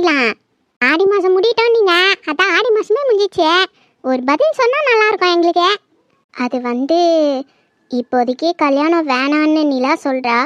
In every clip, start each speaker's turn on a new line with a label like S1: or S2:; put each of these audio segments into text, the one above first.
S1: பேசிக்கலாம். ஆடி மாதம் முடிட்டோம் நீங்கள், அதான் ஆடி மாதமே முடிஞ்சிச்சு. ஒரு பதில் சொன்னால் நல்லாயிருக்கும் எங்களுக்கு. அது இப்போதைக்கு கல்யாணம் வேணான்னு நிலா சொல்கிறா.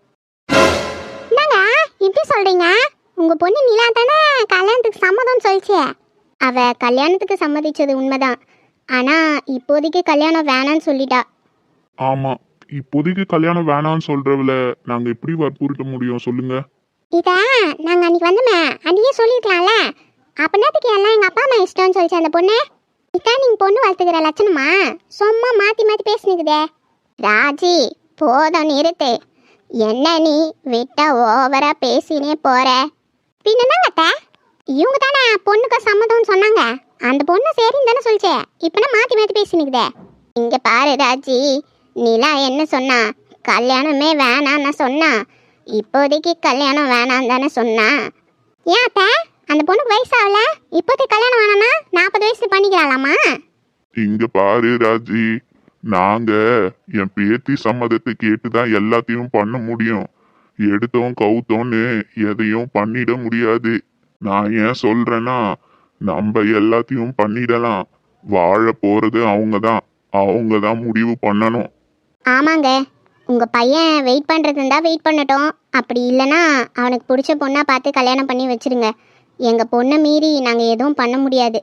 S1: என்னங்க இப்படி சொல்கிறீங்க? உங்கள் பொண்ணு நிலா தானே கல்யாணத்துக்கு சம்மதம்னு சொல்லிச்சு. அவள் கல்யாணத்துக்கு சம்மதிச்சது உண்மைதான். ஆனால் இப்போதைக்கு கல்யாணம் வேணான்னு சொல்லிட்டா.
S2: ஆமா, இப்போதைக்கு கல்யாணம் வேணாம்னு சொல்றவள நாங்க எப்படி வற்புறுத்த முடியும் சொல்லுங்க?
S1: இதை நாங்கள் அன்றைக்கி வந்தோமே அன்றைக்கே சொல்லியிருக்கலாம்ல. அப்படின்னதுக்கு எல்லாம் எங்கள் அப்பா அம்மா இஷ்டம்னு சொல்லிச்சு அந்த பொண்ணு. இதான் நீங்கள் பொண்ணு வளர்த்துக்கிற லட்சணமா? சும்மா மாற்றி மாற்றி பேசினுக்குதே. ராஜி போதும் நிறுத்து. என்ன நீ விட்டா ஓவராக பேசினே போகிற. பின்னங்க இவங்க தானே பொண்ணுக்கு சம்மதம்னு சொன்னாங்க. அந்த பொண்ணு சரின்னு தானே சொல்லிச்சே. இப்போனா மாற்றி மாற்றி பேசினுக்குதே. இங்கே பாரு ராஜி, நிலா என்ன சொன்னா? கல்யாணமே வேணான்னு சொன்னா. இப்போதைக்கு கல்யாணம் வேணான்னு தானே சொன்னா. ஏன் அத்தை, அந்த பொண்ணுக்கு வயசு ஆகல, இப்போதைக்கு கல்யாணம் வேணாம்னா 40 வயசு பண்ணிக்கிறாளாமா?
S2: இங்க பாரு ராஜி, நாங்க என் பேத்தி சம்மதத்தை கேட்டுதான் எல்லாத்தையும் பண்ண முடியும். எடுத்தோம் கவுத்தோன்னு எதையும் பண்ணிட முடியாது. நான் ஏன் சொல்றேன்னா, நம்ம எல்லாத்தையும் பண்ணிடலாம். வாழ போறது அவங்க தான் முடிவு பண்ணணும்.
S1: ஆமாங்க, உங்கள் பையன் வெயிட் பண்ணுறது இருந்தால் வெயிட் பண்ணட்டும். அப்படி இல்லைன்னா அவனுக்கு பிடிச்ச பொண்ணாக பார்த்து கல்யாணம் பண்ணி வச்சிருங்க. எங்கள் பொண்ணை மீறி நாங்கள் எதுவும் பண்ண முடியாது.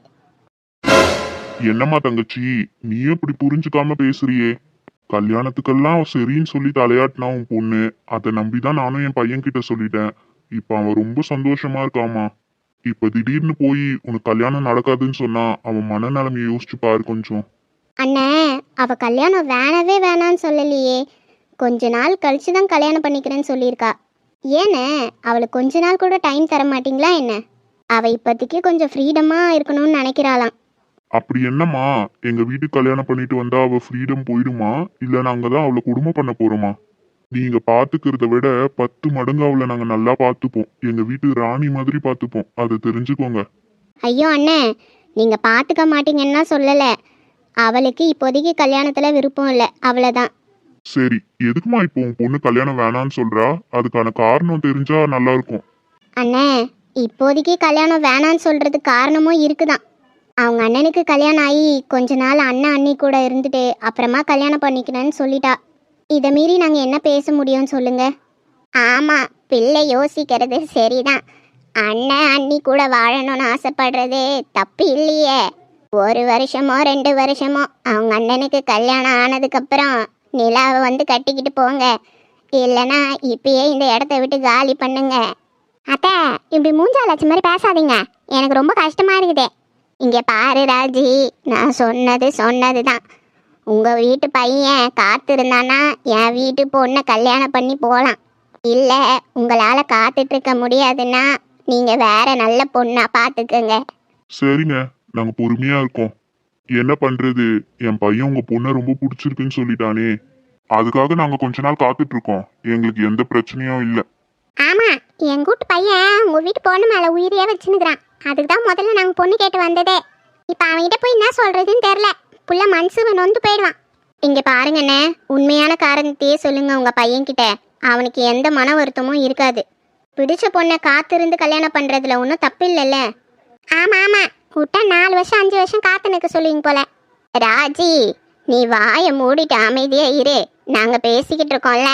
S2: என்னம்மா தங்கச்சி, நீயும் இப்படி புரிஞ்சுக்காம பேசுறியே? கல்யாணத்துக்கெல்லாம் சரின்னு சொல்லி தலையாட்டினா உன் பொண்ணு. அதை நம்பிதான் நானும் என் பையன் கிட்ட சொல்லிட்டேன். இப்ப அவன் ரொம்ப சந்தோஷமா இருக்காமா. இப்ப திடீர்னு போய் உனக்கு கல்யாணம் நடக்காதுன்னு சொன்னா அவன் மனநிலைமையை யோசிச்சு பாரு கொஞ்சம்.
S1: அண்ணே, அவள் கல்யாணம் வேணவே வேணான்னு சொல்லலையே. கொஞ்ச நாள் கழிச்சு தான் கல்யாணம் பண்ணிக்கிறேன்னு சொல்லியிருக்கா. ஏண்ணே, அவளுக்கு கொஞ்ச நாள் கூட டைம் தர மாட்டிங்களா என்ன? அவள் இப்போதைக்கு கொஞ்சம் ஃப்ரீடமாக இருக்கணும்னு நினைக்கிறாளாம்.
S2: அப்படி என்னம்மா, எங்க வீட்டுக்கு கல்யாணம் பண்ணிட்டு வந்தா அவ ஃப்ரீடம் போயிடுமா? இல்ல நாங்க தான் அவளை குடும்பம் பண்ண போறோமா? நீங்க பாத்துக்கிறத விட 10 மடங்கு அவளை நாங்க நல்லா பாத்துப்போம். எங்க வீட்டு ராணி மாதிரி பாத்துப்போம். அதை தெரிஞ்சுக்கோங்க.
S1: ஐயோ அண்ணே, நீங்கள் பார்த்துக்க மாட்டீங்கன்னா சொல்லலை. அவளுக்கு இப்போதைக்கு கல்யாணத்தில் விருப்பம் இல்லை, அவ்வளோதான்.
S2: சரி, எதுக்குமா இப்போ உன் பொண்ணு கல்யாணம் வேணான்னு சொல்றா? அதுக்கான காரணம் தெரிஞ்சா நல்லா இருக்கும்.
S1: அண்ணே, இப்போதைக்கு கல்யாணம் வேணான்னு சொல்கிறதுக்கு காரணமும் இருக்குதான். அவங்க அண்ணனுக்கு கல்யாணம் ஆகி கொஞ்ச நாள் அண்ணன் அண்ணி கூட இருந்துட்டு அப்புறமா கல்யாணம் பண்ணிக்கணும்னு சொல்லிட்டா. இதை மீறி நாங்கள் என்ன பேச முடியும்னு சொல்லுங்க. ஆமாம், பிள்ளை யோசிக்கிறது சரிதான். அண்ணன் அண்ணி கூட வாழணும்னு ஆசைப்படுறது தப்பு இல்லையே. 1 வருஷமோ 2 வருஷமோ அவங்க அண்ணனுக்கு கல்யாணம் ஆனதுக்கப்புறம் நிலாவை கட்டிக்கிட்டு போங்க. இல்லைன்னா இப்பயே இந்த இடத்த விட்டு காலி பண்ணுங்க. அத்தை, இப்படி மூஞ்சாலட்சி மாதிரி பேசாதீங்க. எனக்கு ரொம்ப கஷ்டமா இருக்குது. இங்கே பாரு ராஜி, நான் சொன்னது தான். உங்கள் வீட்டு பையன் காத்திருந்தானா என் வீட்டு பொண்ணை கல்யாணம் பண்ணி போகலாம். இல்லை உங்களால் காத்துட்ருக்க முடியாதுன்னா நீங்கள் வேற நல்ல பொண்ணா பார்த்துக்கங்க.
S2: சரிங்க, நாங்க பொறுமையா இருக்கோம். என்ன பண்றது, என் பையன் உங்க பொண்ணை ரொம்ப பிடிச்சிருக்குன்னு சொல்லிட்டானே. அதுக்காக நாங்க கொஞ்ச நாள் காத்துட்டு இருக்கோம். எங்களுக்கு எந்த பிரச்சனையும் இல்லை.
S1: ஆமாம், என் கூட்டு பையன் உங்கள் வீட்டு பொண்ணு மேலே உயிரியே வச்சுன்னுக்குறான். அதுக்கு தான் முதல்ல நாங்கள் பொண்ணு கேட்டு வந்ததே. இப்போ அவன்கிட்ட போய் என்ன சொல்கிறதுன்னு தெரில. புள்ள மனசு நொந்து போயிடுவான். இங்கே பாருங்கண்ணே, உண்மையான காரணத்தையே சொல்லுங்க உங்கள் பையன்கிட்ட. அவனுக்கு எந்த மன வருத்தமும் இருக்காது. பிடிச்ச பொண்ணை காத்திருந்து கல்யாணம் பண்ணுறதுல ஒன்றும் தப்பு இல்லைல்ல. ஆமாம் ஆமாம், விட்டா 4 வருஷம் 5 வருஷம் காத்து நிற்க சொல்லுவீங்க போல. ராஜி, நீ வாயை மூடிட்டு அமைதியா இரு. நாங்கள் பேசிக்கிட்டு இருக்கோம்ல.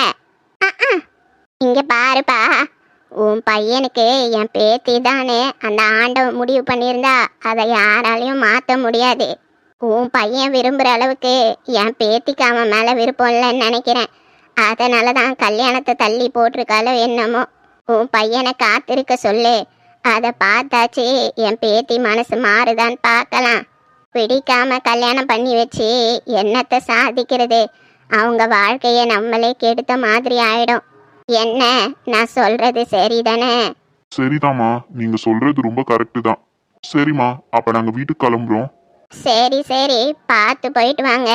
S1: இங்கே பாருப்பா, உன் பையனுக்கு என் பேத்தி தானே அந்த ஆண்டவன் முடிவு பண்ணியிருந்தா அதை யாராலையும் மாற்ற முடியாது. உன் பையன் விரும்புகிற அளவுக்கு என் பேத்திக்கு அவன் மேலே விருப்பம் இல்லைன்னு நினைக்கிறேன். அதனால தான் கல்யாணத்தை தள்ளி போட்டிருக்காளோ என்னமோ. உன் பையனை காத்திருக்க சொல்லு. அதை பார்த்தாச்சு என் பேத்தி மனசு மாறுதான்னு பார்க்கலாம். பிடிக்காம கல்யாணம் பண்ணி வச்சு என்னத்தை சாதிக்கிறது? அவங்க வாழ்க்கையை நம்மளே கெடுத்த மாதிரி ஆயிடும். என்ன, நான் சொல்றது சரிதானே?
S2: சரிதாம்மா, நீங்க சொல்றது ரொம்ப கரெக்டு தான். சரிம்மா, அப்ப நாங்க வீட்டுக்கு கிளம்புறோம்.
S1: சரி சரி, பார்த்து போயிட்டு வாங்க.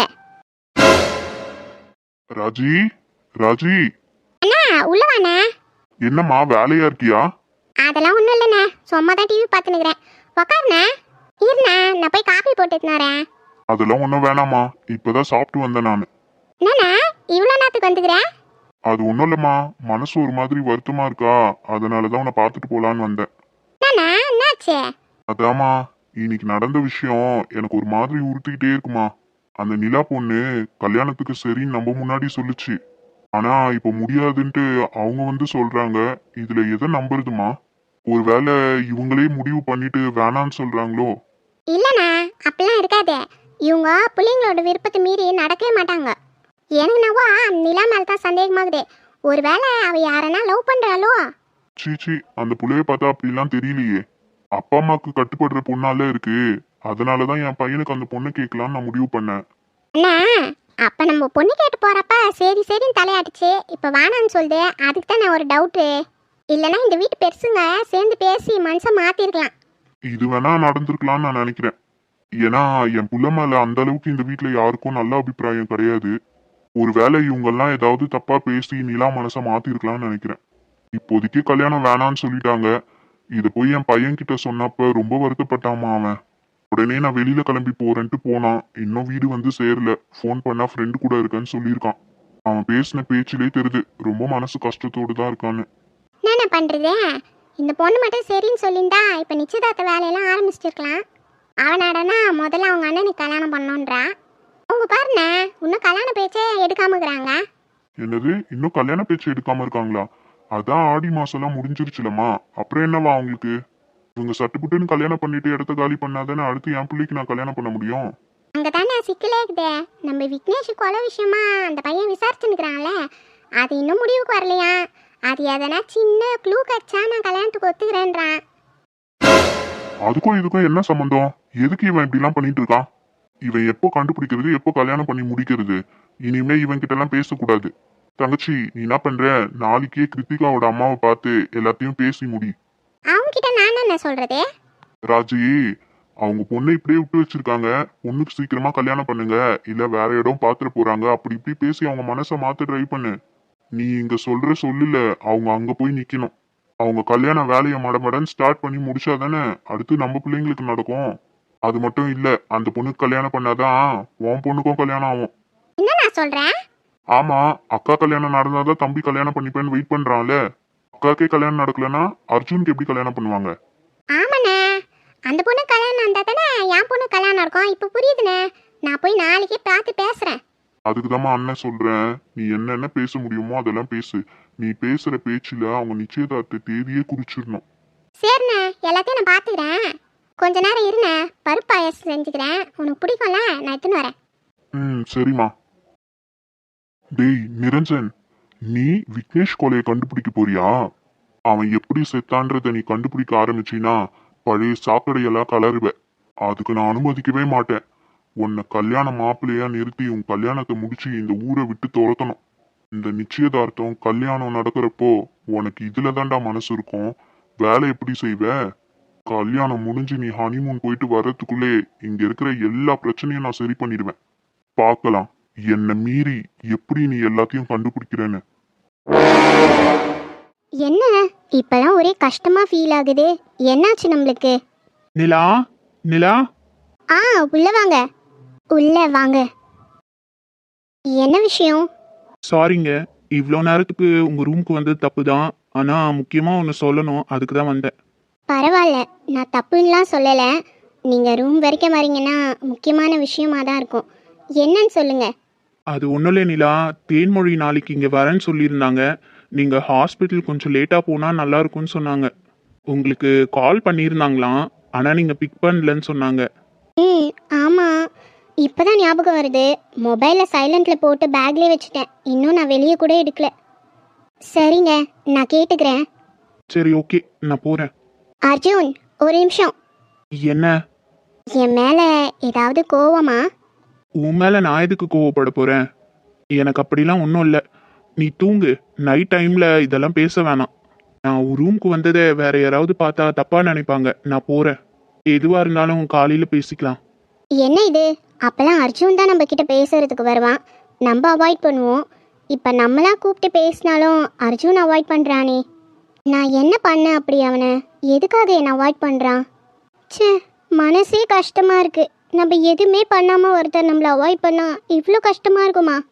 S2: ராஜி, ராஜி.
S1: அண்ணா உள்ள வாண்ணா.
S2: என்னம்மா வேலையா இருக்கியா?
S1: அதெல்லாம் ஒன்றும் இல்லைண்ணே, சும்மா தான் டிவி பார்த்துனுக்குறேன். உக்காருண்ணே. இருண்ணா, நான் போய் காப்பி போட்டுட்டுனாரேன்.
S2: அதெல்லாம் ஒன்றும் வேணாம்மா, இப்பதான் சாப்பிட்டு வந்தேன் நான்.
S1: என்னண்ணா இவ்வளோ நேரத்துக்கு வந்துக்கிறேன்?
S2: அது ஒன்றும் இல்லைம்மா, மனசு ஒரு மாதிரி வருத்தமா இருக்கா, அதனாலதான் உன்னை பார்த்துட்டு போலான்னு வந்தேன்.
S1: என்னண்ணா என்னாச்சு?
S2: அதாம்மா, இன்னைக்கு நடந்த விஷயம் எனக்கு ஒரு மாதிரி உறுத்திக்கிட்டே இருக்குமா. அந்த நிலா பொண்ணு கல்யாணத்துக்கு சரின்னு நம்ம முன்னாடி சொல்லுச்சு. ஆனா இப்ப முடியாதுன்ட்டு அவங்க வந்து சொல்றாங்க. இதுல எதை நம்புறதுமா? ஒருவேளை இவங்களே முடிவு பண்ணிட்டு வேணான்னு சொல்றாங்களோ?
S1: இல்லைண்ணா, அப்படிலாம் இருக்காது. இவங்க பிள்ளைங்களோட விருப்பத்தை மீறி நடக்கவே மாட்டாங்க. எனக்கு நவா நிலா மேலே தான் சந்தேகமாகுது. ஒருவேளை அவள் யாரனா லவ் பண்ணுறாளோ?
S2: சீச்சி, அந்த புள்ளைய பார்த்தா அப்படிலாம் தெரியலையே. அப்பா அம்மாக்கு கட்டுப்படுற பொண்ணால இருக்கு. அதனாலதான் என் பையனுக்கு அந்த பொண்ணை கேட்கலான்னு நான் முடிவு பண்ணேன்.
S1: அண்ணா, அப்போ நம்ம பொண்ணு கேட்டு போகிறப்ப சரி சரின்னு தலையாட்டுச்சு. இப்போ வேணான்னு சொல்லுது. அதுக்கு தான் நான் ஒரு டவுட்டு. இல்லைன்னா இந்த வீட்டு பெருசுங்க சேர்ந்து பேசி மனசை மாற்றிருக்கலாம்.
S2: இது வேணா நடந்திருக்கலாம்னு நான் நினைக்கிறேன். ஏன்னா என் புள்ள மேல அந்த அளவுக்கு இந்த வீட்ல யாருக்கும் நல்ல அபிப்பிராயம் கிடையாது. ஒருவேளை இவங்கெல்லாம் ஏதாவது தப்பா பேசி நிலா மனசை மாத்திருக்கலாம்னு நினைக்கிறேன். இப்போதைக்கு கல்யாணம் வேணான்னு சொல்லிட்டாங்க. இத போய் என் பையன் கிட்ட சொன்னப்ப ரொம்ப வருத்தப்பட்டாமா அவன். உடனே நான் வெளியில கிளம்பி போறேன்ட்டு போனான். இன்னும் வீடு வந்து சேரல. ஃபோன் பண்ணா ஃப்ரெண்டு கூட இருக்கேன்னு சொல்லியிருக்கான். அவன் பேசின பேச்சிலே தெரியுது ரொம்ப மனசு கஷ்டத்தோடு தான் இருக்கான்னு.
S1: என்ன பண்ணுறது? இந்த பொண்ணு மட்டும் சரின்னு சொல்லியிருந்தா இப்போ நிச்சயதார்த்த வேலையெல்லாம் ஆரம்பிச்சிருக்கலாம். அவனாடனா முதல்ல அவங்க அண்ணனுக்கு கல்யாணம் பண்ணோன்றா. அவங்க பாருண்ணே, இன்னும் கல்யாண பேச்சே எடுக்காம இருக்கிறாங்க.
S2: என்னது, இன்னும் கல்யாண பேச்சு எடுக்காம இருக்காங்களா? அதான் ஆடி மாசம்லாம் முடிஞ்சிருச்சுலம்மா. அப்புறம் என்னவா அவங்களுக்கு? இவங்க சட்டுப்புட்டுன்னு கல்யாணம் பண்ணிட்டு இடத்த காலி பண்ணாதானே அடுத்து என் பிள்ளைக்கு நான் கல்யாணம் பண்ண முடியும்.
S1: அங்கே தானே சிக்கலே இருக்குதே. நம்ம விக்னேஷ் கொலை விஷயமா அந்த பையன் விசாரிச்சுன்னுக்குறான்ல, அது இன்னும் முடிவுக்கு வரலையா. அது எதனா சின்ன க்ளூ கச்சா நான் கல்யாணத்துக்கு ஒத்துக்கிறேன்றான்.
S2: அதுக்கும் இதுக்கும் என்ன சம்பந்தம்? எதுக்கு இவன் இப்படிலாம் பண்ணிட்டு இருக்கான்? இவன் எப்போ கண்டுபிடிக்கிறது, எப்போ கல்யாணம் பண்ணி முடிக்கிறது? இனிமே இவன் கிட்ட எல்லாம் பேசக்கூடாது. தங்கச்சி, நீ என்ன பண்ற? நாளைக்கே கிருத்திகாவோட அம்மாவை பார்த்து எல்லாத்தையும் பேசி முடி.
S1: அவங்க கிட்ட நான் என்ன சொல்றது?
S2: ராஜி, அவங்க பொண்ணை இப்படியே விட்டு வச்சிருக்காங்க. பொண்ணுக்கு சீக்கிரமா கல்யாணம் பண்ணுங்க, இல்ல வேற இடம் பாத்துட்டு போறாங்க, அப்படி இப்படி பேசி அவங்க மனசை மாத்த ட்ரை பண்ணு. நீ இங்க சொல்ற சொல்லுல அவங்க அங்க போய் நிக்கணும். அவங்க கல்யாண வேலையை மடமடன்னு ஸ்டார்ட் பண்ணி முடிச்சாதானே அடுத்து நம்ம பிள்ளைங்களுக்கு நடக்கும். அது மட்டும் இல்ல, அந்த பொண்ணுக்கு கல்யாணம் பண்ணாதான் உன் பொண்ணுக்கும் கல்யாணம் ஆகும்.
S1: என்ன நான் சொல்றேன்?
S2: ஆமா, அக்கா கல்யாணம் நடந்தாதான் தம்பி கல்யாணம் பண்ணிப்பேன்னு வெயிட் பண்றான்ல. அக்காக்கே கல்யாணம் நடக்கலன்னா அர்ஜுனுக்கு எப்படி கல்யாணம் பண்ணுவாங்க?
S1: ஆமாண்ணே, அந்த பொண்ணு கல்யாணம் இருந்தா தானே என் பொண்ணு கல்யாணம் இருக்கும். இப்போ புரியுதுண்ணே. நான் போய் நாளைக்கே பார்த்து பேசுறேன்.
S2: அதுக்குதாம்மா அண்ணன் சொல்றேன், நீ என்னென்ன பேச முடியுமோ அதெல்லாம் பேசு. நீ பேசுற பேச்சுல அவங்க நிச்சயதார்த்த தேதியே குறிச்சிடணும்.
S1: சரிண்ணே, எல்லாத்தையும் நான் பார்த்துக்கிறேன். கொஞ்ச நேரம் இருண்ணே, பருப்பு பாயாசம் செஞ்சுக்கிறேன். உனக்கு பிடிக்கும்ல, நான் எடுத்துன்னு வரேன்.
S2: சரிம்மா. டேய் நிரஞ்சன், நீ விக்னேஷ் கொலையை கண்டுபிடிக்க போறியா? அவன் எப்படி செத்தான்றத நீ கண்டுபிடிக்க ஆரம்பிச்சினா பழைய சாக்கடையெல்லாம் கலருவ. அதுக்கு நான் அனுமதிக்கவே மாட்டேன். உன்னை கல்யாண மாப்பிள்ளையா நிறுத்தி உன் கல்யாணத்தை முடிச்சு இந்த ஊரை விட்டு துரத்தணும். இந்த நிச்சயதார்த்தம் கல்யாணம் நடக்கிறப்போ உனக்கு இதுல தான்டா மனசு இருக்கும். வேலை எப்படி செய்வ? கல்யாணம் முடிஞ்சு நீ ஹனிமூன் போயிட்டு வர்றதுக்குள்ளே இங்க இருக்கிற எல்லா பிரச்சனையும் நான் சரி பண்ணிடுவேன். பார்க்கலாம் என்னை மீறி எப்படி நீ எல்லாத்தையும் கண்டுபிடிக்கிறேன்னு.
S1: என்ன இப்பெல்லாம் ஒரே கஷ்டமா ஃபீல் ஆகுது? என்னாச்சு நம்மளுக்கு?
S3: நிலா, நிலா,
S1: உள்ள வாங்க, உள்ள வாங்க. என்ன விஷயம்?
S3: சாரிங்க. இவ்வளோ நேரத்துக்கு உங்கள் ரூமுக்கு வந்தது தப்பு தான். ஆனால் முக்கியமாக ஒன்று சொல்லணும், அதுக்கு தான் வந்தேன்.
S1: பரவாயில்ல, நான் தப்புன்னெலாம் சொல்லலை. நீங்கள் ரூம் வரைக்கும் வரீங்கன்னா முக்கியமான விஷயமா தான் இருக்கும். என்னன்னு சொல்லுங்க.
S3: அது ஒன்றும் இல்லை நிலா, தேன்மொழி நாளைக்கு இங்கே வரேன்னு சொல்லியிருந்தாங்க. நீங்கள் ஹாஸ்பிட்டல் கொஞ்சம் லேட்டாக போனால் நல்லாயிருக்கும்னு சொன்னாங்க. உங்களுக்கு கால் பண்ணியிருந்தாங்களாம், ஆனால் நீங்கள் பிக் பண்ணலன்னு சொன்னாங்க.
S1: ஆமாம், இப்போ தான் ஞாபகம் வருது. மொபைலில் சைலண்டில் போட்டு பேக்லேயே வச்சுட்டேன். இன்னும் நான் வெளியே கூட எடுக்கல. சரிங்க, நான் கேட்டுக்கிறேன்.
S3: சரி, ஓகே, நான் போகிறேன்.
S1: அர்ஜுன், ஒரு நிமிஷம்.
S3: என்ன?
S1: என் மேலே ஏதாவது கோவமா?
S3: உன் மேலே நான் எதுக்கு கோவப்பட போகிறேன்? எனக்கு அப்படிலாம் ஒன்றும் இல்லை. நீ தூங்கு. நைட் டைமில் இதெல்லாம் பேச வேணாம். நான் ஒரு ரூமுக்கு வந்ததை வேற யாராவது பார்த்தா தப்பாக நினைப்பாங்க. நான் போகிறேன். எதுவாக இருந்தாலும் காலையில் பேசிக்கலாம்.
S1: என்ன இது? அப்போல்லாம் அர்ஜுன் தான் நம்ம கிட்ட பேசுறதுக்கு வருவான். நம்ம அவாய்ட் பண்ணுவோம். இப்போ நம்மளா கூப்பிட்டு பேசினாலும் அர்ஜுன் அவாய்ட் பண்ணுறானே. நான் என்ன பண்ணேன் அப்படி? அவனை எதுக்காக என்னை அவாய்ட் பண்ணுறான்? ச்சே, மனசே கஷ்டமாக இருக்குது. நம்ம எதுவுமே பண்ணாமல் ஒருத்தர் நம்மளை அவாய்ட் பண்ணால் இவ்வளோ கஷ்டமாக இருக்குமா?